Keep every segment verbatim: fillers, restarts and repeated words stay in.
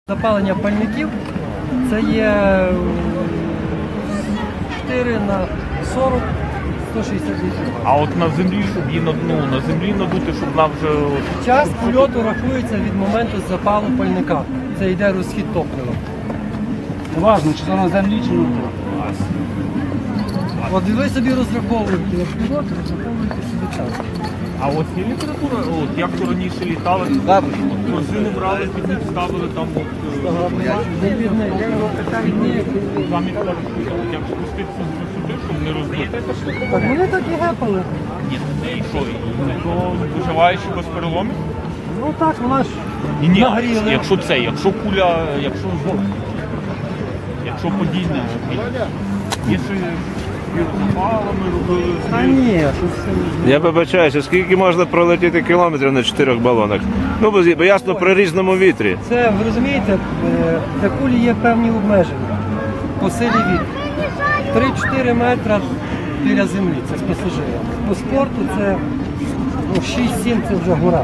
Запалення пальників це є чотири на сорок, сто шістдесят літрів. А от на землі, щоб її на дну, на землі надути, щоб вона вже... Час польоту рахується від моменту запалу пальника. Це йде розхід топлива. Важно, чи це на землі, чи на дні. От ви собі розраховуєте польот, розраховуєте собі час. А от є література, от як то раніше літали, корзини брали, під них ставили там от... Замість кажуть, як спуститися з висоти, щоб не розбити. Так вони так і гепали. Ні, і що, і то виживаєш без переломів? Ну так, вона ж Ні, ні, нагріли. якщо це, якщо куля, якщо якщо подійне, якщо запалами робили... Та ні, тут все... Я вибачаюся, скільки можна пролетіти кілометрів на чотирьох балонах? Ну, бо, бо ясно, при різному вітрі. Це, ви розумієте, е, для кулі є певні обмеження по силі вітру. три-чотири метри біля землі, це з пасажирами. По спорту це ну, шість-сім це вже гора.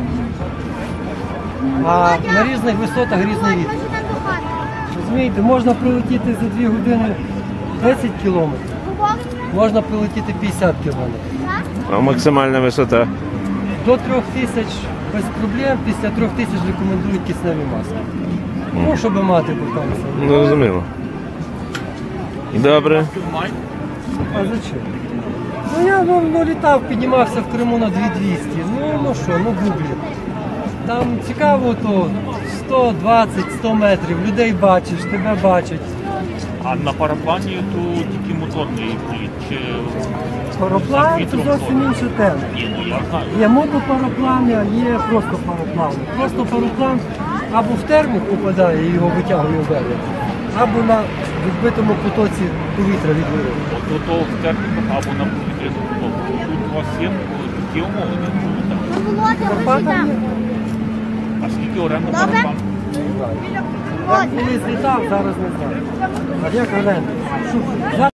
А на різних висотах різний вітер. Розумієте, можна прилетіти за дві години десять кілометрів, можна прилетіти п'ятдесят кілометрів. А максимальна висота? До трьох тисяч без проблем, після трьох тисяч рекомендують кисневі маски. Ну, щоб мати потенцію. Ну, зрозуміло. Добре. А зачем? Ну я ну, ну, літав, піднімався в Криму на дві двісті. Ну, ну що, ну гуглі. Там цікаво то сто двадцять сто метрів, людей бачиш, тебе бачать. А на параплані то тільки моторний політ, чи... Параплан це зовсім інша тема. Ні, ну я знаю. Є мотопараплани, а є просто параплани. Просто параплан або в термік попадає і його витягує в берег, або на відбитому потоці повітря від вириву. От то в техніку або на повітряну потоку. Тут у вас є такі умови, не? Карпатам є. А скільки оренда параплану? Я колись літав, зараз не знаю. А як оренда?